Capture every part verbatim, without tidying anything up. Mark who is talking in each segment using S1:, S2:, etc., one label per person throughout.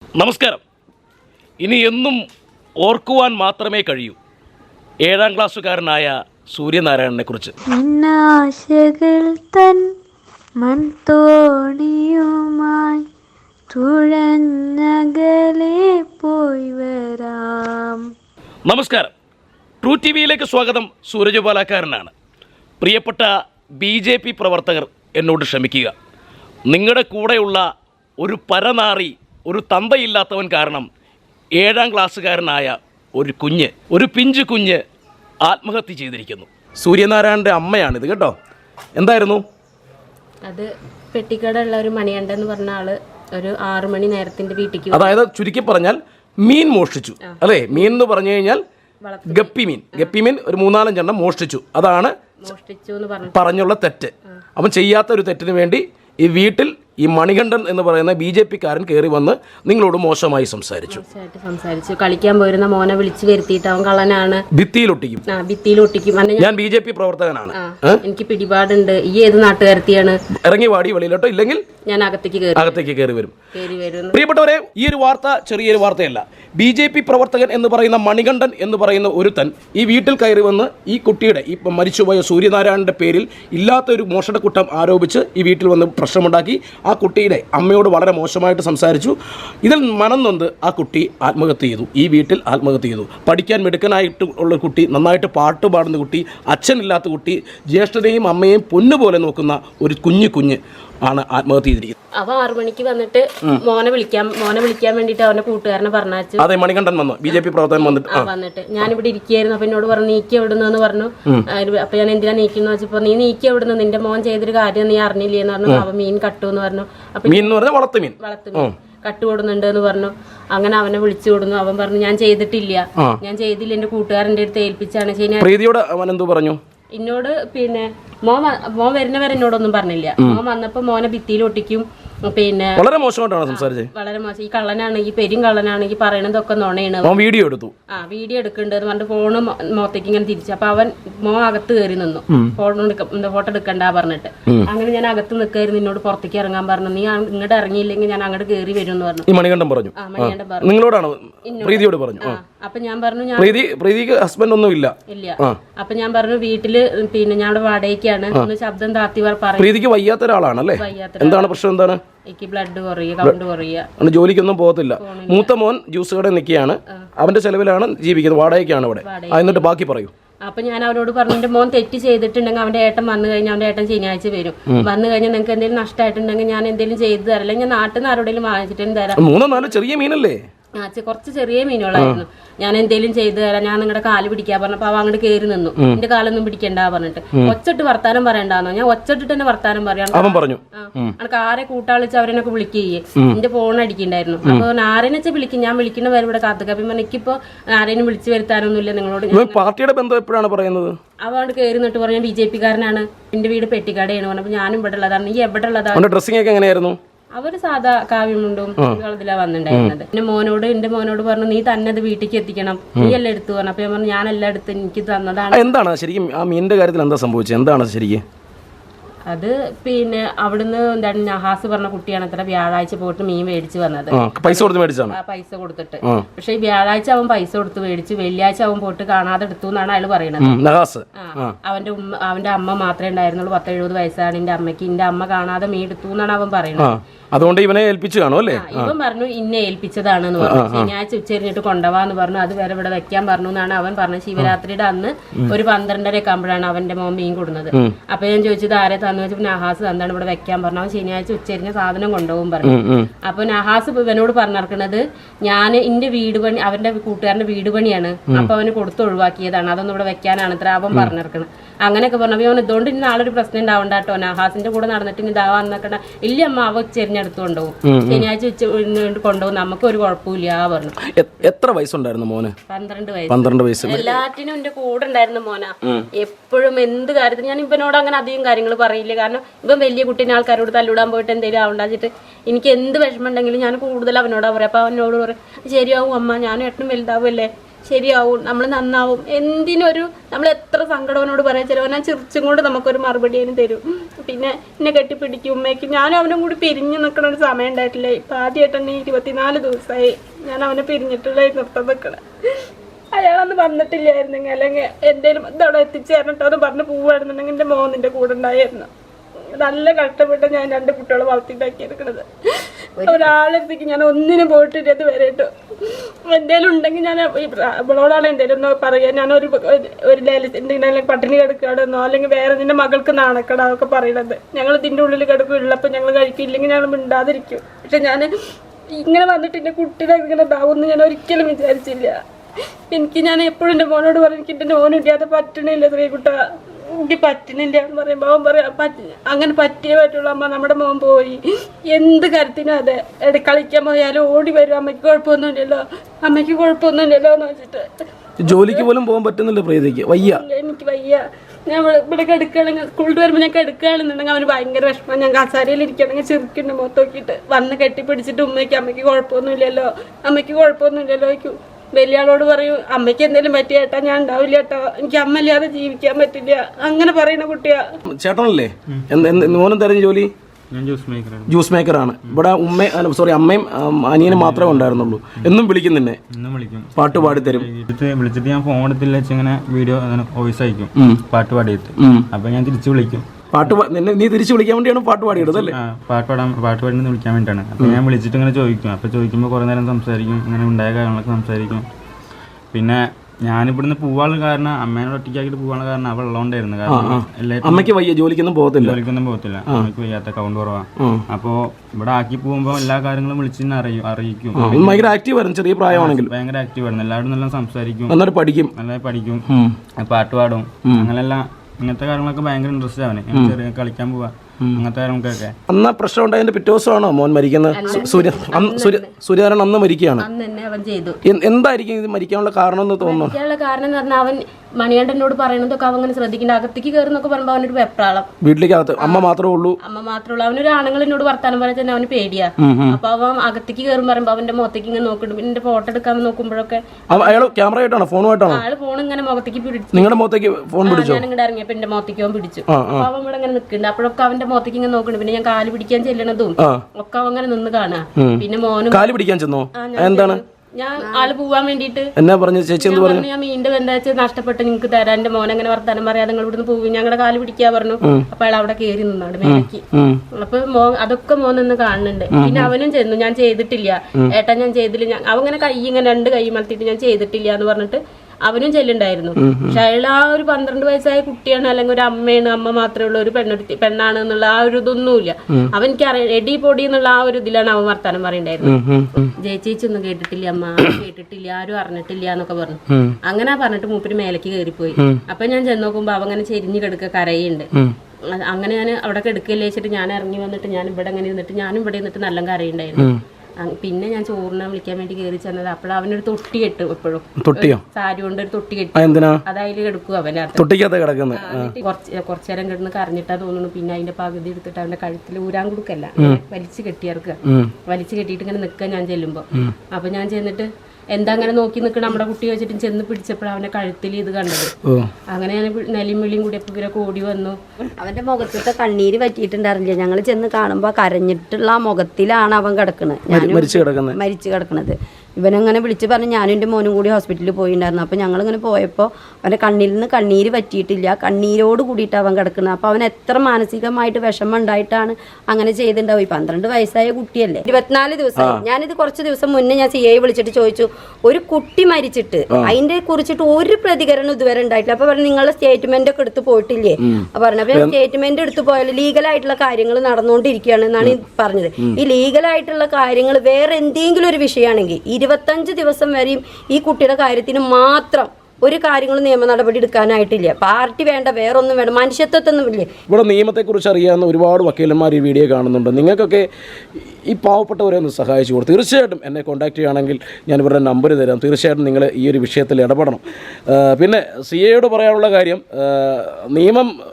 S1: നമസ്കാരം. ഇനി എന്നും ഓർക്കുവാൻ മാത്രമേ കഴിയൂ ഏഴാം ക്ലാസ്സുകാരനായ സൂര്യനാരായണനെ കുറിച്ച്.
S2: ആശകൾ തൻ മൺതോണിയുമായി തുഴഞ്ഞകലെ പോയി വരാം.
S1: നമസ്കാരം. ട്രൂ ടി വിയിലേക്ക് സ്വാഗതം. സൂരജ് പാലക്കാരനാണ്. പ്രിയപ്പെട്ട ബി ജെ പി പ്രവർത്തകർ എന്നോട് ക്ഷമിക്കുക. നിങ്ങളുടെ കൂടെയുള്ള ഒരു പരനാറി, ഒരു തന്തയില്ലാത്തവൻ കാരണം ഏഴാം ക്ലാസ്സുകാരനായ ഒരു കുഞ്ഞ്, ഒരു പിഞ്ചു കുഞ്ഞ് ആത്മഹത്യ ചെയ്തിരിക്കുന്നു. സൂര്യനാരായണൻ്റെ അമ്മയാണിത് കേട്ടോ. എന്തായിരുന്നു
S3: അത്? പെട്ടിക്കടയുള്ള ഒരു മണികണ്ഠൻ എന്ന് പറഞ്ഞ ആള് ഒരു ആറു മണി നേരത്തിന്റെ വീട്ടിലേക്ക്,
S1: അതായത് ചുരുക്കി പറഞ്ഞാൽ മീൻ മോഷ്ടിച്ചു അല്ലേ? മീൻ എന്ന് പറഞ്ഞു കഴിഞ്ഞാൽ ഗപ്പി മീൻ. ഗപ്പി മീൻ ഒരു മൂന്നാലഞ്ചെണ്ണം മോഷ്ടിച്ചു. അതാണ്
S3: മോഷ്ടിച്ചു എന്ന് പറഞ്ഞു
S1: പറഞ്ഞുള്ള തെറ്റ്. അപ്പം ചെയ്യാത്ത ഒരു തെറ്റിന് വേണ്ടി ഈ വീട്ടിൽ ഈ മണികണ്ഠൻ എന്ന് പറയുന്ന ബി ജെ പിക്കാരൻ കയറി വന്ന് നിങ്ങളോട് മോശമായി സംസാരിച്ചു
S3: സംസാരിച്ചു കളിക്കാൻ പോയിരുന്ന മോനെ വിളിച്ചു വരുത്തിയിട്ട് അവൻ കള്ളനാണ്,
S1: ഭിത്തിയിലൊട്ടിക്കും
S3: ഭിത്തിയിലൊട്ടിക്കും.
S1: ഞാൻ ബി ജെ പി പ്രവർത്തകനാണ്,
S3: എനിക്ക് പിടിപാടുണ്ട്, ഈ ഏത് നാട്ടുകാരത്തിയാണ്,
S1: ഇറങ്ങി വാടി വെളിയിലോട്ടോ, ഇല്ലെങ്കിൽ
S3: ഞാൻ അകത്തേക്ക്
S1: അകത്തേക്ക് കയറി വരും.
S3: കയറി വരും.
S1: പ്രിയപ്പെട്ടവരെ, ഈ ഒരു വാർത്ത ചെറിയൊരു വാർത്തയല്ല. ബി ജെ പി പ്രവർത്തകൻ എന്ന് പറയുന്ന മണികണ്ഠൻ എന്ന് പറയുന്ന ഒരുത്തൻ ഈ വീട്ടിൽ കയറി വന്ന് ഈ കുട്ടിയുടെ, ഈ മരിച്ചുപോയ സൂര്യനാരായണന്റെ പേരിൽ ഇല്ലാത്തൊരു മോഷണക്കുറ്റം ആരോപിച്ച് ഈ വീട്ടിൽ വന്ന് പ്രശ്നമുണ്ടാക്കി. ആ കുട്ടിയുടെ അമ്മയോട് വളരെ മോശമായിട്ട് സംസാരിച്ചു. ഇതിൽ മനം നൊന്ത് ആ കുട്ടി ആത്മഹത്യ ചെയ്തു. ഈ വീട്ടിൽ ആത്മഹത്യ ചെയ്തു. പഠിക്കാൻ മിടുക്കനായിട്ട് ഉള്ള കുട്ടി, നന്നായിട്ട് പാട്ട് പാടുന്ന കുട്ടി, അച്ഛനില്ലാത്ത കുട്ടി, ജ്യേഷ്ഠനെയും അമ്മയെയും പൊന്നുപോലെ നോക്കുന്ന ഒരു കുഞ്ഞു കുഞ്ഞ് ആണ് ആത്മഹത്യ ചെയ്തിരിക്കുന്നത്.
S3: അവ ആറു മണിക്ക് വന്നിട്ട് മോനെ വിളിക്കാൻ മോനെ വിളിക്കാൻ വേണ്ടിട്ട് അവന്റെ കൂട്ടുകാരനെ പറഞ്ഞു.
S1: അതെ, മണികണ്ഠൻ വന്നു, ബി ജെ പി പ്രവർത്തകൻ വന്നിട്ട്
S3: വന്നിട്ട് ഞാനിവിടെ ഇരിക്കുകയായിരുന്നു. അപ്പൊ എന്നോട് പറഞ്ഞു നീക്കി എവിടുന്നെന്ന് പറഞ്ഞു. അപ്പൊ ഞാൻ എന്തിനാ നീക്കുന്ന വെച്ചപ്പോ, നീ നീക്കി എവിടുന്ന്, നിന്റെ മോൻ ചെയ്തൊരു കാര്യം നീ അറിഞ്ഞില്ലേന്ന് പറഞ്ഞു. അവൻ മീൻ കട്ടു എന്ന് പറഞ്ഞു. അപ്പൊ
S1: മീൻ എന്ന് പറഞ്ഞാൽ വളർത്തു മീൻ,
S3: വളർത്തു മീൻ കട്ടു കൊടുന്നുണ്ട് എന്ന് പറഞ്ഞു. അങ്ങനെ അവനെ വിളിച്ചു കൊടുന്നു. അവൻ പറഞ്ഞു ഞാൻ ചെയ്തിട്ടില്ല, ഞാൻ ചെയ്തില്ല, എന്റെ കൂട്ടുകാരന്റെ അടുത്ത് ഏൽപ്പിച്ചാണ്. ശരി,
S1: പ്രീതിയോട് അവൻ എന്തു പറഞ്ഞു?
S3: എന്നോട് പിന്നെ മോൻ മോൻ വരുന്നവരെ എന്നോടൊന്നും പറഞ്ഞില്ല. മോൻ വന്നപ്പോ മോനെ ഭിത്തിയിൽ ഒട്ടിക്കും, പിന്നെ
S1: വളരെ മോശമായിട്ടാണ് സംസാരിച്ചത്.
S3: വളരെ മോശം. ഈ കള്ളനാണെങ്കിൽ, പെരും കള്ളനാണെങ്കിൽ പറയണതൊക്കെ നുണയാണ്.
S1: വീഡിയോ എടുത്തു.
S3: ആ വീഡിയോ എടുക്കണ്ടെന്ന് പറഞ്ഞിട്ട് ഫോണ് മുഖത്തേക്ക് ഇങ്ങനെ തിരിച്ചു. അപ്പൊ അവൻ മോ അകത്ത് കയറി നിന്നു. ഫോട്ടോ ഫോട്ടോ എടുക്കണ്ടാ പറഞ്ഞിട്ട്. അങ്ങനെ ഞാൻ അകത്ത് നിൽക്കായിരുന്നു. എന്നോട് പുറത്തേക്ക് ഇറങ്ങാൻ പറഞ്ഞു. നീ ഇങ്ങോട്ട് ഇറങ്ങിയില്ലെങ്കിൽ ഞാൻ അങ്ങോട്ട് കയറി വരും എന്ന് പറഞ്ഞു.
S1: ഈ മണികണ്ഠൻ പറഞ്ഞു.
S3: ആ മണികണ്ഠൻ പറഞ്ഞു.
S1: നിങ്ങളോടാണ് പ്രീതിയോട് പറഞ്ഞു.
S3: അപ്പൊ ഞാൻ പറഞ്ഞു ഞാൻ
S1: പ്രീതിക്ക് ഹസ്ബൻഡ് ഒന്നും ഇല്ല.
S3: ഇല്ല. അപ്പൊ ഞാൻ പറഞ്ഞു വീട്ടില് പിന്നെ ഞാൻ അവിടെ വാടകയ്ക്കാണ്, ഒന്ന് ശബ്ദം താത്തി പറയും.
S1: പ്രീതിക്ക് വയ്യാത്ത ഒരാളാണല്ലേ? എന്താണ് പ്രശ്നം? എന്താണ്?
S3: എനിക്ക് ബ്ലഡ് കുറയുക, കൗണ്ട് കുറയുക,
S1: ജോലിക്കൊന്നും പോകത്തില്ല. മൂത്ത മോൻ ജ്യൂസ് കടയിൽ നിൽക്കുകയാണ്, അവന്റെ ചെലവിലാണ് ജീവിക്കുന്നത്, വാടകയ്ക്കാണ് ഇവിടെ. എന്നിട്ട് ബാക്കി പറയൂ.
S3: അപ്പൊ ഞാൻ അവരോട് പറഞ്ഞു എന്റെ മോൻ തെറ്റ് ചെയ്തിട്ടുണ്ടെങ്കിൽ അവന്റെ ഏട്ടൻ വന്നു കഴിഞ്ഞാൽ അവന്റെ ഏട്ടൻ ശനിയാഴ്ച വരും. വന്നു കഴിഞ്ഞാൽ നിങ്ങൾക്ക് എന്തെങ്കിലും നഷ്ടമായിട്ടുണ്ടെങ്കിൽ ഞാൻ എന്തെങ്കിലും ചെയ്തു തരാം, അല്ലെങ്കിൽ ഞാൻ നാട്ടിൽ നിന്ന് ആരോടെങ്കിലും വാങ്ങിച്ചിട്ടും തരാം.
S1: മൂന്നോ നാലോ ചെറിയ മീനല്ലേ?
S3: ആ കുറച്ച് ചെറിയ മീനുകളായിരുന്നു. ഞാൻ എന്തെങ്കിലും ചെയ്തു തരാം, ഞാൻ നിങ്ങളുടെ കാല് പിടിക്കാൻ പറഞ്ഞപ്പോ അവ അങ്ങോട്ട് കയറി നിന്നു. എന്റെ കാലൊന്നും പിടിക്കണ്ട പറഞ്ഞിട്ട്. ഒച്ചിട്ട് വർത്താനം പറയണ്ടാന്നോ? ഞാൻ ഒച്ചിട്ടിട്ട് തന്നെ വർത്താനം പറയാം.
S1: അവൻ പറഞ്ഞു
S3: എനിക്ക് ആരെ കൂട്ടാളിച്ച് അവരെന്നൊക്കെ വിളിക്കുകയെ. എന്റെ ഫോൺ അടിക്കണ്ടായിരുന്നു. അപ്പൊ ആരെന്ന് വെച്ചാൽ വിളിക്കും, ഞാൻ വിളിക്കുന്ന വരെ ഇവിടെ കാത്തുക. അപ്പൊ എനിക്കിപ്പോ ആരെയും വിളിച്ചു വരുത്താനൊന്നുമില്ല. നിങ്ങളോട്
S1: പാർട്ടിയുടെ ബന്ധം എപ്പോഴാണ് പറയുന്നത്?
S3: അവണ്ട് കയറി നിന്നിട്ട് പറഞ്ഞു ബി ജെ പി കാരനാണ്, എന്റെ വീട് പെട്ടിക്കടയാണ് പറഞ്ഞപ്പോ ഞാനും ഇവിടെ ഉള്ളതാണ്. നീ എവിടെ ഉള്ളതാണ്?
S1: ഡ്രസ്സിംഗ് ഒക്കെ എങ്ങനെയായിരുന്നു?
S3: അവര് സാധാ കാവ്യമുണ്ടും ഇതിലാ വന്നിട്ടുണ്ടായിരുന്നത്. എന്റെ മോനോട് എന്റെ മോനോട് പറഞ്ഞു നീ തന്നെ അത് വീട്ടിലേക്ക് എത്തിക്കണം, നീ എല്ലാം എടുത്തു പറഞ്ഞു. അപ്പൊ ഞാൻ പറഞ്ഞു ഞാൻ എല്ലാം എടുത്ത് എനിക്ക് തന്നതാണ്.
S1: എന്താണ് ശരിക്കും ആ മീനിന്റെ കാര്യത്തിൽ എന്താ സംഭവിച്ചത്? എന്താണ് ശരിക്കും
S3: അത്? പിന്നെ അവിടുന്ന് എന്താണ് നഹാസ് പറഞ്ഞ കുട്ടിയാണ് അത്ര വ്യാഴാഴ്ച പോയിട്ട് മീൻ മേടിച്ച് വന്നത്.
S1: പൈസ കൊടുത്ത് മേടിച്ചാണ്?
S3: പൈസ കൊടുത്തിട്ട്. പക്ഷെ ഈ വ്യാഴാഴ്ച അവൻ പൈസ കൊടുത്ത് മേടിച്ചു, വെള്ളിയാഴ്ച അവൻ പോയിട്ട് കാണാതെ എടുത്തു എന്നാണ് അയാൾ പറയുന്നത്. അവന്റെ ഉമ്മ അവന്റെ അമ്മ മാത്രമേ ഉണ്ടായിരുന്നുള്ളൂ, പത്ത് എഴുപത് വയസ്സാണ് എന്റെ അമ്മയ്ക്ക്. എന്റെ അമ്മ കാണാതെ മീൻ എടുത്തു എന്നാണ് അവൻ പറയുന്നത്.
S1: അതുകൊണ്ട് ഇവനെ ഏൽപ്പിച്ചു കാണും അല്ലേ?
S3: ഇവൻ പറഞ്ഞു ഇന്നെ ഏൽപ്പിച്ചതാണെന്ന് പറഞ്ഞു. ശനിയാഴ്ച ഉച്ചരിഞ്ഞിട്ട് കൊണ്ടുപോവാന്ന് പറഞ്ഞു. അത് വരെ ഇവിടെ വെക്കാൻ പറഞ്ഞു എന്നാണ് അവൻ പറഞ്ഞത്. ശിവരാത്രിയുടെ അന്ന് ഒരു പന്ത്രണ്ടര ഒക്കെ ആകുമ്പോഴാണ് അവന്റെ മോൻ മീൻ കൊടുക്കുന്നത്. അപ്പൊ ഞാൻ ചോദിച്ചത് ആരെ തന്നു വെച്ചപ്പോ നഹാസ് എന്താണ് ഇവിടെ വെക്കാൻ പറഞ്ഞു. അവൻ ശനിയാഴ്ച ഉച്ചരിഞ്ഞ സാധനം കൊണ്ടുപോകും പറഞ്ഞു. അപ്പൊ നഹാസ് ഇവനോട് പറഞ്ഞിരിക്കണത് ഞാൻ എന്റെ വീട് പണി, അവന്റെ കൂട്ടുകാരന്റെ വീട് പണിയാണ്, അപ്പൊ അവന് കൊടുത്ത് ഒഴിവാക്കിയതാണ്, അതൊന്നും ഇവിടെ വെക്കാനാണ് ഇത്ര അവൻ പറഞ്ഞിരിക്കണം. അങ്ങനെയൊക്കെ പറഞ്ഞു. അവൻ ഇതുകൊണ്ട് ഇനി നാളൊരു പ്രശ്നം ഉണ്ടാവണ്ട കേട്ടോ, നഹാസിന്റെ കൂടെ നടന്നിട്ട് ഇനി ഇതാവാൻ നിൽക്കണ്ട. ഇല്ല അമ്മ അവ ഉച്ചരിഞ്ഞെടുത്ത് കൊണ്ടുപോകും, ശനിയാഴ്ച ഉച്ച കൊണ്ടുപോകും, നമുക്ക് ഒരു കുഴപ്പമില്ല പറഞ്ഞു.
S1: എത്ര വയസ്സുണ്ടായിരുന്നു മോന്?
S3: പന്ത്രണ്ട് വയസ്സ്.
S1: പന്ത്രണ്ട് വയസ്സ്.
S3: എല്ലാറ്റിനും എന്റെ കൂടെ ഉണ്ടായിരുന്നു മോനാ. എപ്പോഴും എന്ത് കാര്യത്തിൽ ഞാൻ ഇവനോട് അങ്ങനെ അധികം കാര്യങ്ങൾ പറയില്ല. കാരണം ഇവൻ വലിയ കുട്ടീനെ ആൾക്കാരോട് തല്ലിടാൻ പോയിട്ട് എന്തെങ്കിലും ആവണ്ടാച്ചിട്ട് എനിക്ക് എന്ത് വിഷമം ഉണ്ടെങ്കിലും ഞാൻ കൂടുതൽ അവനോടാ പറയാം. അപ്പൊ അവനോട് പറയും ശരിയാവും അമ്മ, ഞാനും ഏട്ടനും വലുതാവുമല്ലേ,
S4: ശരിയാവും, നമ്മൾ നന്നാവും, എന്തിനൊരു നമ്മൾ എത്ര സങ്കടവനോട് പറയാൻ ചിലവൻ ആ ചിരിച്ചും കൊണ്ട് നമുക്കൊരു മറുപടി അതിന് തരും. പിന്നെ എന്നെ കെട്ടിപ്പിടിക്കും ഉമ്മയ്ക്ക്. ഞാനും അവനും കൂടി പിരിഞ്ഞു നിൽക്കണ ഒരു സമയം ഉണ്ടായിട്ടില്ല. ഇപ്പം ആദ്യമായിട്ട് തന്നെ ഇരുപത്തിനാല് ദിവസമായി ഞാൻ അവനെ പിരിഞ്ഞിട്ടുള്ള നിർത്തം നിൽക്കണം. അയാളന്ന് വന്നിട്ടില്ലായിരുന്നെങ്കിൽ അല്ലെങ്കിൽ എന്തേലും ഇതവിടെ എത്തിച്ചേരട്ടോ എന്ന് പറഞ്ഞ് പോവുകയായിരുന്നുണ്ടെങ്കിൽ എൻ്റെ മോൻ നിൻ്റെ കൂടെ ഉണ്ടായിരുന്നു. നല്ല കഷ്ടപ്പെട്ട് ഞാൻ രണ്ട് കുട്ടികളെ വളർത്തിണ്ടാക്കിയെടുക്കണത്. ഒരാളെടുത്തേക്ക് ഞാൻ ഒന്നിനും പോയിട്ടില്ല ഇത് വരെ കേട്ടോ. എന്തേലും ഉണ്ടെങ്കിൽ ഞാൻ ഇവളോടാണ് എന്തേലും ഒന്ന് പറയുക. ഞാനൊരു ഒരു ലേലത്തിൻ്റെ പട്ടിണി കിടക്കുകയാണെന്നോ അല്ലെങ്കിൽ വേറെ നിന്റെ മകൾക്ക് നാണക്കട അതൊക്കെ പറയണത്. ഞങ്ങൾ ഇതിൻ്റെ ഉള്ളിൽ കിടക്കും, ഉള്ളപ്പോൾ ഞങ്ങൾ കഴിക്കില്ലെങ്കിൽ ഞങ്ങൾ മിണ്ടാതിരിക്കും. പക്ഷെ ഞാൻ ഇങ്ങനെ വന്നിട്ട് എൻ്റെ കുട്ടിയുടെ ഇങ്ങനെ ഇതാവുമെന്ന് ഞാൻ ഒരിക്കലും വിചാരിച്ചില്ല. എനിക്ക് ഞാൻ എപ്പോഴും എൻ്റെ മോനോട് പറയും എനിക്ക് എൻ്റെ മോനില്ലാതെ പറ്റണില്ല ശ്രീകുട്ട, എനിക്ക് പറ്റണില്ല എന്ന് പറയുമ്പോൾ അവൻ പറയാം പറ്റ അങ്ങനെ പറ്റിയേ പറ്റുള്ളൂ അമ്മ, നമ്മുടെ മോൻ പോയി എന്ത് കാര്യത്തിനും അതെ എടി കളിക്കാൻ പോയാലും ഓടി വരും, അമ്മയ്ക്ക് കുഴപ്പമൊന്നുമില്ലല്ലോ അമ്മയ്ക്ക് കുഴപ്പമൊന്നുമില്ലല്ലോ എന്ന് വെച്ചിട്ട്
S1: ജോലിക്ക് പോലും പോകാൻ പറ്റുന്നില്ല പ്രീതിക്ക്, വയ്യ.
S4: എനിക്ക് വയ്യ. ഞാൻ ഇവിടെ കിടക്കുകയാണെങ്കിൽ സ്കൂളിൽ വരുമ്പോൾ ഞാൻ കിടക്കുകയാണെന്നുണ്ടെങ്കിൽ അവന് ഭയങ്കര വിഷമം. ഞാൻ കസാരയിൽ ഇരിക്കുകയാണെങ്കിൽ ചെറുക്കുണ്ട് മുഖത്ത് നോക്കിയിട്ട് വന്ന് കെട്ടിപ്പിടിച്ചിട്ട് ഉമ്മയ്ക്ക് അമ്മയ്ക്ക് കുഴപ്പമൊന്നുമില്ലല്ലോ അമ്മയ്ക്ക് കുഴപ്പമൊന്നുമില്ലല്ലോ വയ്ക്കും. വലിയ ആളോട് പറയും അമ്മയ്ക്ക് എന്തെങ്കിലും പറ്റിയ ഏട്ടാ ഞാൻ ഉണ്ടാവില്ല കേട്ടോ, എനിക്ക് അമ്മ ഇല്ലാതെ ജീവിക്കാൻ പറ്റില്ല, അങ്ങനെ പറയുന്ന കുട്ടിയാ.
S1: ചേട്ടനല്ലേ മോനും തെരഞ്ഞ ജോലി? ജ്യൂസ് മേക്കറാണ്. ഇവിടെ ഉമ്മ സോറി അമ്മയും അനിയനും മാത്രമേ ഉണ്ടായിരുന്നുള്ളൂ. എന്നും വിളിക്കും നിന്നെ, പാട്ട് പാടിത്തരും.
S5: വിളിച്ചിട്ട് ഞാൻ ഫോൺ എടുത്തില്ല വെച്ചിങ്ങനെ വീഡിയോ വോയിസ് അയക്കും പാട്ട് പാടിയിട്ട്. അപ്പൊ ഞാൻ തിരിച്ചു വിളിക്കും.
S1: പാട്ട് നിന്നെ നീ തിരിച്ചു വിളിക്കാൻ വേണ്ടിയാണ് പാട്ട് പാടിയത് അല്ലേ?
S5: പാട്ട് പാടാൻ പാട്ട് പാടി വിളിക്കാൻ വേണ്ടിയിട്ടാണ്. അപ്പൊ ഞാൻ വിളിച്ചിട്ട് ഇങ്ങനെ ചോദിക്കും. അപ്പൊ ചോദിക്കുമ്പോൾ കുറെ നേരം സംസാരിക്കും, ഇങ്ങനെ ഉണ്ടായ കാര്യങ്ങളൊക്കെ സംസാരിക്കും. പിന്നെ ഞാനിവിടുന്ന് പോവാനുള്ള കാരണം അമ്മേനോട് ഒറ്റയ്ക്കാക്കിട്ട് പോവാനുള്ള കാരണം അവൾ ഉള്ളതുകൊണ്ടായിരുന്നു. കാരണം എല്ലാവരും
S1: അമ്മയ്ക്ക് വയ്യ, ജോലിക്കൊന്നും പോകത്തില്ല
S5: ജോലിക്കൊന്നും പോകത്തില്ല, അമ്മയ്ക്ക് വയ്യാത്ത കൗണ്ട് കുറവാ. അപ്പോ ഇവിടെ ആക്കി പോകുമ്പോൾ എല്ലാ കാര്യങ്ങളും വിളിച്ച് അറിയും അറിയിക്കും.
S1: ഭയങ്കര ആക്റ്റീവ് ആയിരുന്നു, ചെറിയ പ്രായമാണെങ്കിൽ
S5: ഭയങ്കര ആക്റ്റീവ് ആയിരുന്നു. എല്ലാവരും നല്ല സംസാരിക്കും,
S1: നന്നായിട്ട് പഠിക്കും,
S5: നന്നായി പഠിക്കും, പാട്ട് പാടും, അങ്ങനെല്ലാം ഇങ്ങനത്തെ കാര്യങ്ങളൊക്കെ ഭയങ്കര ഇൻട്രസ്റ്റ് അവന്. ചെറിയ കളിക്കാൻ പോവാ അങ്ങനത്തെ കാര്യങ്ങൾക്കൊക്കെ.
S1: അന്ന് പ്രശ്നം ഉണ്ടായതിന്റെ പിറ്റേ ദിവസമാണോ മോൻ മരിക്കുന്നത്? സൂര്യ സൂര്യനാരായണൻ അന്ന് മരിക്കുകയാണ്. എന്തായിരിക്കും ഇത് മരിക്കാനുള്ള കാരണം എന്ന് തോന്നുന്നു?
S3: മരിക്കാനുള്ള കാരണം എന്ന് പറഞ്ഞാൽ അവൻ മണികണ്ഠനോട് പറയണതൊക്കെ അവൻ അങ്ങനെ ശ്രദ്ധിക്കേണ്ട. അകത്തേക്ക് കയറുന്നൊക്കെ പറയുമ്പോൾ അവനൊരു വെപ്രാളം.
S1: വീട്ടിലേക്കകത്ത് അമ്മ മാത്രമേ ഉള്ളൂ
S3: അമ്മ മാത്രമേ ഉള്ളൂ അവനൊരു ആണുങ്ങളോട് വർത്താനം പറയാൻ തന്നെ അവന് പേടിയാ. അപ്പൊ അവൻ അകത്തേക്ക് കയറും പറയുമ്പോ അവന്റെ മുഖത്തേക്ക് ഇങ്ങനെ നോക്കുന്നുണ്ട്. പിന്നെ ഫോട്ടോ എടുക്കാൻ നോക്കുമ്പോഴൊക്കെ
S1: അയാൾ ക്യാമറ ആയിട്ടാണോ ഫോണുമായിട്ടാണോ?
S3: അയാൾ ഫോൺ ഇങ്ങനെ മുഖത്തേക്ക് പിടിച്ചു.
S1: നിങ്ങളുടെ മുഖത്തേക്ക് ഫോൺ പിടിച്ചു?
S3: ഞാൻ ഇങ്ങോട്ട് ഇറങ്ങിയപ്പോ എന്റെ മുഖത്തേക്ക് അവൻ പിടിച്ചു. അപ്പൊ അവൻ ഇവിടെ ഇങ്ങനെ നിൽക്കുന്നുണ്ട്. അപ്പോഴൊക്കെ അവന്റെ മുഖത്തേക്ക് ഇങ്ങനെ നോക്കുന്നുണ്ട്. പിന്നെ ഞാൻ കാല് പിടിക്കാൻ ചെല്ലണതും ഒക്കെ അവൻ അങ്ങനെ നിന്ന് കാണാ. പിന്നെ മോനും
S1: കാല് പിടിക്കാൻ ചെന്നോ? എന്താണ്
S3: ഞാൻ ആള് പോവാൻ വേണ്ടിട്ട്
S1: എന്നാ പറഞ്ഞു ചേച്ചി? എന്ത് പറഞ്ഞു?
S3: ഞാൻ വീണ്ടും എന്താ വെച്ചാൽ നഷ്ടപ്പെട്ട് നിങ്ങൾക്ക് തരാൻ എന്റെ മോൻ അങ്ങനെ വർത്താനം പറയാതെ നിങ്ങൾ ഇവിടുന്ന് പോകും, ഞങ്ങളുടെ കാല് പിടിക്കാ പറഞ്ഞു. അപ്പൊ അയാൾ അവിടെ കയറി നിന്നാണ് മേലേക്ക്. അപ്പൊ മോ അതൊക്കെ മോൻ നിന്ന് കാണുന്നുണ്ട്. പിന്നെ അവനും ചെന്നു ഞാൻ ചെയ്തിട്ടില്ല ഏട്ടാ ഞാൻ ചെയ്തില്ല. അവൻ ഇങ്ങനെ കൈ ഇങ്ങനെ രണ്ട് കൈ മലത്തിട്ട് ഞാൻ ചെയ്തിട്ടില്ല എന്ന് പറഞ്ഞിട്ട് അവനും ചെല്ലുണ്ടായിരുന്നു. പക്ഷെ അയാൾ ആ ഒരു പന്ത്രണ്ട് വയസ്സായ കുട്ടിയാണ്, അല്ലെങ്കിൽ ഒരു അമ്മയാണ്, അമ്മ മാത്രമേ ഉള്ള ഒരു പെണ്ണൊരുത്തി പെണ്ണാണ് എന്നുള്ള ആ ഒരു ഇതൊന്നുമില്ല. അവനിക്ക് അറിയാം എടി പൊടി എന്നുള്ള ആ ഒരു ഇതിലാണ് അവൻ വർത്താനം പറയണ്ടായിരുന്നു. ജയിച്ചേച്ചി ഒന്നും കേട്ടിട്ടില്ല അമ്മ, കേട്ടിട്ടില്ല, ആരും അറിഞ്ഞിട്ടില്ല എന്നൊക്കെ പറഞ്ഞു. അങ്ങനെ പറഞ്ഞിട്ട് മൂപ്പര് മേലേക്ക് കയറിപ്പോയി. അപ്പൊ ഞാൻ ചെന്ന് നോക്കുമ്പോ അവ അങ്ങനെ ചെരിഞ്ഞു കിടക്കുക കരയുണ്ട്. അങ്ങനെ ഞാൻ അവിടെ കിടക്കല്ലേ വെച്ചിട്ട് ഞാൻ ഇറങ്ങി വന്നിട്ട് ഞാൻ ഇവിടെ അങ്ങനെ ഇരുന്നിട്ട് ഞാനും ഇവിടെ നിന്നിട്ട് നല്ല കരയുണ്ടായിരുന്നു. പിന്നെ ഞാൻ ചോറിനെ വിളിക്കാൻ വേണ്ടി കയറി ചെന്നത്. അപ്പോൾ അവനൊരു തൊട്ടി കെട്ടു എപ്പോഴും. തൊട്ടിയോ? സാരി കൊണ്ട് ഒരു തൊട്ടി കെട്ടി അതായത് കിടക്കും അവനകത്ത്. കുറച്ച് കുറച്ചു നേരം കിടന്ന് കരഞ്ഞിട്ടാ തോന്നുന്നു. പിന്നെ അതിന്റെ പകുതി എടുത്തിട്ട് അവന്റെ കഴുത്തിൽ ഊരാൻ കൊടുക്കല്ല, വലിച്ചു കെട്ടിയിറക്കുക. വലിച്ചു കെട്ടിയിട്ട് ഇങ്ങനെ നിൽക്കുക ഞാൻ ചെല്ലുമ്പോ. അപ്പൊ ഞാൻ ചെന്നിട്ട് എന്താ അങ്ങനെ നോക്കി നിൽക്കണം നമ്മുടെ കുട്ടി വെച്ചിട്ട് ചെന്ന് പിടിച്ചപ്പോഴാണ് അവന്റെ കഴുത്തിൽ ഇത് കണ്ടത്. അങ്ങനെ ഞാൻ നെലിയും വിളിയും കൂടി എപ്പോ ഇവരൊക്കെ ഓടി വന്നു.
S6: അവന്റെ മുഖത്തെ കണ്ണീര് പറ്റിയിട്ടുണ്ടായിരുന്നില്ല. ഞങ്ങൾ ചെന്ന് കാണുമ്പോ കരഞ്ഞിട്ടുള്ള ആ മുഖത്തിലാണ് അവൻ കിടക്കുന്നത്, മരിച്ചു കിടക്കുന്നത്. ഇവനങ്ങനെ വിളിച്ച് പറഞ്ഞ് ഞാനും എൻ്റെ മോനും കൂടി ഹോസ്പിറ്റലിൽ പോയിട്ടുണ്ടായിരുന്നു. അപ്പോൾ ഞങ്ങളിങ്ങനെ പോയപ്പോൾ അവൻ്റെ കണ്ണിൽ നിന്ന് കണ്ണീര് പറ്റിയിട്ടില്ല, കണ്ണീരോട് കൂടിയിട്ട് അവൻ കിടക്കുന്നത്. അപ്പോൾ അവൻ എത്ര മാനസികമായിട്ട് വിഷമം ഉണ്ടായിട്ടാണ് അങ്ങനെ ചെയ്തിട്ടുണ്ടാവും. ഈ പന്ത്രണ്ട് വയസ്സായ കുട്ടിയല്ലേ. ഇരുപത്തിനാല് ദിവസം ഞാനിത് കുറച്ച് ദിവസം മുന്നേ ഞാൻ സി ഐ വിളിച്ചിട്ട് ചോദിച്ചു, ഒരു കുട്ടി മരിച്ചിട്ട് അതിന്റെ കുറിച്ചിട്ട് ഒരു പ്രതികരണം ഇതുവരെ ഉണ്ടായിട്ടില്ല. അപ്പോൾ പറഞ്ഞു നിങ്ങളുടെ സ്റ്റേറ്റ്മെന്റ് ഒക്കെ എടുത്ത് പോയിട്ടില്ലേ പറഞ്ഞു. അപ്പോൾ സ്റ്റേറ്റ്മെന്റ് എടുത്ത് പോയാൽ ലീഗലായിട്ടുള്ള കാര്യങ്ങൾ നടന്നുകൊണ്ടിരിക്കുകയാണ് എന്നാണ് പറഞ്ഞത്. ഈ ലീഗലായിട്ടുള്ള കാര്യങ്ങൾ വേറെ എന്തെങ്കിലും ഒരു വിഷയമാണെങ്കിൽ ഇരുപത്തഞ്ച് ദിവസം വരെയും ഈ കുട്ടിയുടെ കാര്യത്തിന് മാത്രം ഒരു കാര്യങ്ങളും നിയമ നടപടി എടുക്കാനായിട്ടില്ല. പാർട്ടി വേണ്ട, വേറൊന്നും വേണ്ട, മനുഷ്യത്വത്തൊന്നുമില്ലേ.
S1: ഇവിടെ നിയമത്തെക്കുറിച്ച് അറിയാവുന്ന ഒരുപാട് വക്കീലന്മാർ ഈ വീഡിയോ കാണുന്നുണ്ട്. നിങ്ങൾക്കൊക്കെ ഈ പാവപ്പെട്ടവരെ ഒന്ന് സഹായിച്ചു കൊടുക്കും. തീർച്ചയായിട്ടും എന്നെ കോൺടാക്ട് ചെയ്യുകയാണെങ്കിൽ ഞാൻ ഇവരുടെ നമ്പർ തരാം. തീർച്ചയായിട്ടും നിങ്ങൾ ഈ ഒരു വിഷയത്തിൽ ഇടപെടണം. പിന്നെ സി എയോട് പറയാനുള്ള കാര്യം, നിയമം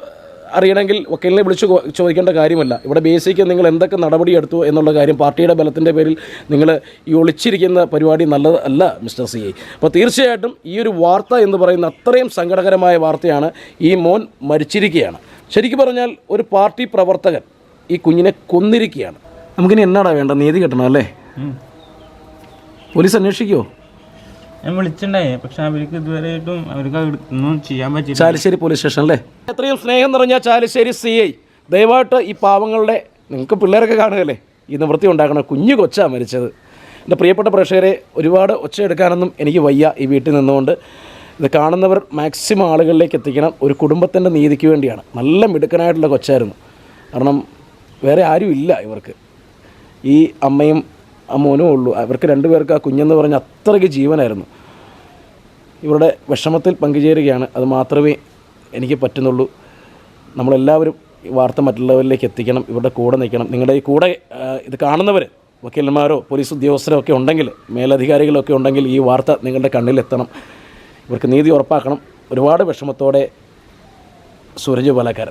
S1: അറിയണമെങ്കിൽ വക്കീലിനെ വിളിച്ച് കൊ- ചോദിക്കേണ്ട കാര്യമല്ല. ഇവിടെ ബേസിക്ക് നിങ്ങൾ എന്തൊക്കെ നടപടിയെടുത്തു എന്നുള്ള കാര്യം പാർട്ടിയുടെ ബലത്തിൻ്റെ പേരിൽ നിങ്ങൾ ഈ ഒളിച്ചിരിക്കുന്ന പരിപാടി നല്ലത് അല്ല മിസ്റ്റർ സി ഐ. അപ്പോൾ തീർച്ചയായിട്ടും ഈ ഒരു വാർത്ത എന്ന് പറയുന്ന അത്രയും സങ്കടകരമായ വാർത്തയാണ്. ഈ മോൻ മരിച്ചിരിക്കുകയാണ്. ശരിക്കും പറഞ്ഞാൽ ഒരു പാർട്ടി പ്രവർത്തകൻ ഈ കുഞ്ഞിനെ കൊന്നിരിക്കുകയാണ്. നമുക്കിനി എന്നാടാ വേണ്ട? നീതി കിട്ടണം അല്ലേ? പോലീസ് അന്വേഷിക്കുമോ?
S5: ഞാൻ വിളിച്ചിട്ടുണ്ടായി, പക്ഷെ അവർക്ക് ഇതുവരെയായിട്ടും അവർക്ക് ഒന്നും ചെയ്യാൻ പറ്റില്ല.
S1: ചാലിശ്ശേരി പോലീസ് സ്റ്റേഷൻ അല്ലേ? എത്രയും സ്നേഹം നിറഞ്ഞ ചാലിശ്ശേരി സി ഐ, ദയവായിട്ട് ഈ പാവങ്ങളുടെ, നിങ്ങൾക്ക് പിള്ളേരൊക്കെ കാണുകയല്ലേ, ഈ നിവൃത്തി ഉണ്ടാക്കണം. കുഞ്ഞു കൊച്ചാണ് മരിച്ചത്. എൻ്റെ പ്രിയപ്പെട്ട പ്രേക്ഷകരെ, ഒരുപാട് ഒച്ചയെടുക്കാനൊന്നും എനിക്ക് വയ്യ ഈ വീട്ടിൽ നിന്നുകൊണ്ട്. ഇത് കാണുന്നവർ മാക്സിമം ആളുകളിലേക്ക് എത്തിക്കണം. ഒരു കുടുംബത്തിൻ്റെ നീതിക്ക് വേണ്ടിയാണ്. നല്ല മിടുക്കനായിട്ടുള്ള കൊച്ചായിരുന്നു. കാരണം വേറെ ആരും ഇല്ല ഇവർക്ക്. ഈ അമ്മയും ആ മോനും ഉള്ളൂ. അവർക്ക് രണ്ടുപേർക്ക് ആ കുഞ്ഞെന്ന് പറഞ്ഞാൽ അത്രയ്ക്ക് ജീവനായിരുന്നു. ഇവരുടെ വിഷമത്തിൽ പങ്കുചേരുകയാണ്. അത് മാത്രമേ എനിക്ക് പറ്റുന്നുള്ളൂ. നമ്മളെല്ലാവരും ഈ വാർത്ത മറ്റുള്ളവരിലേക്ക് എത്തിക്കണം. ഇവരുടെ കൂടെ നിൽക്കണം. നിങ്ങളുടെ ഈ കൂടെ ഇത് കാണുന്നവർ, വക്കീലന്മാരോ പോലീസ് ഉദ്യോഗസ്ഥരോ ഒക്കെ ഉണ്ടെങ്കിൽ, മേലധികാരികളൊക്കെ ഉണ്ടെങ്കിൽ ഈ വാർത്ത നിങ്ങളുടെ കണ്ണിലെത്തണം. ഇവർക്ക് നീതി ഉറപ്പാക്കണം. ഒരുപാട് വിഷമത്തോടെ സൂരജ് പാലക്കാരൻ.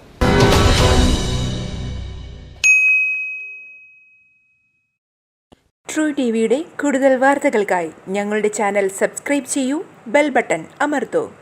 S7: ട്രൂ ടി വിയുടെ കൂടുതൽ വാർത്തകൾക്കായി ഞങ്ങളുടെ ചാനൽ സബ്സ്ക്രൈബ് ചെയ്യൂ, ബെൽ ബട്ടൺ അമർത്തൂ.